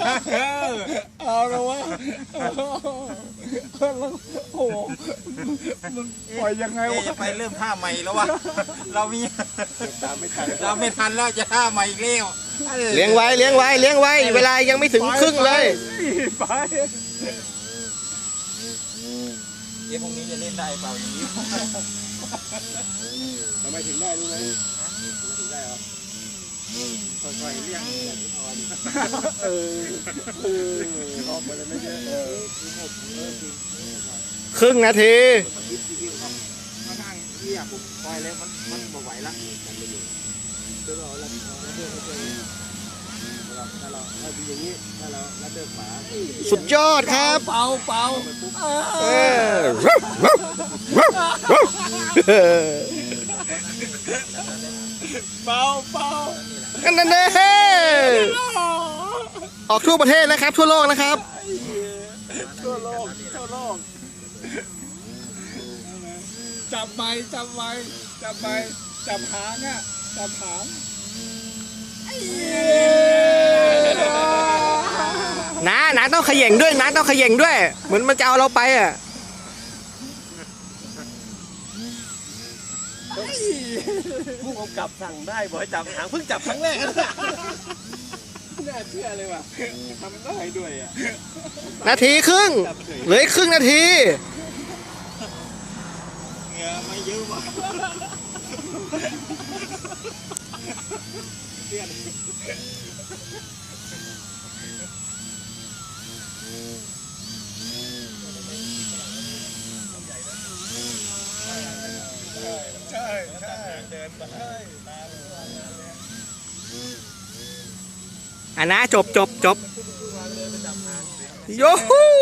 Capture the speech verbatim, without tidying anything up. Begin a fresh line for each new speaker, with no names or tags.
เอาแล้ววะโอ้โหมันปล่อยยังไงวะ
ไปเริ่มท่าใหม่แล้ววะเรามี
ตามไม่ทัน
เราไม่ทันแล้วจะท่าใหม่อีกแล้ว
เลี้ยงไว้เลี้ยงไว้เลี้ยงไว้เวลายังไม่ถึงครึ่งเลย
ไป
เดี๋ยวพรุ่งนี้จะเล่นได้เปล่าอย่างนี้
ทำไมถึงได้รู้ไหมทำไมถึงได้เหรอค่อยๆเลี้ยงเออเออออกมาเลยไม่เยอะเออ
ครึ่งนาที
มาทางเรียกผมปล่อยแล้วมันมันไม่ไหวละกันไปอยู่เดี๋ยวเราเราเราเดินไปเจอถ้าเราถ้าดูอย่างนี้ถ้าเราเราเดินขวา
สุดยอดครับ
เป่าเป่า
เออ
เป่าเป่า
นั่นนั่นเด้ออกทั่วประเทศนะครับ ทั่วโลกนะครับ
ทั่วโลกทั่วโลกจับไม้จับไม้จับไม้จับหางอ่ะจับหาง
น้าน้าต้องเขย่งด้วยน้าต้องเขย่งด้วย เหมือนมันจะเอาเราไปอ่ะ
ผู้กำกับสั่งได้บอกให้จับหางเพิ่งจับครั้งแรกนะน่าเชื่อเลยว่ะทำได้ด้วยอ่ะ
นาทีครึ่งเหลืออีกครึ่งนาที
เหงื่อไม่เยอะว่ะ
ใช่ใช่เดินมาให้
อ่ะนะจบจบจบโยฮู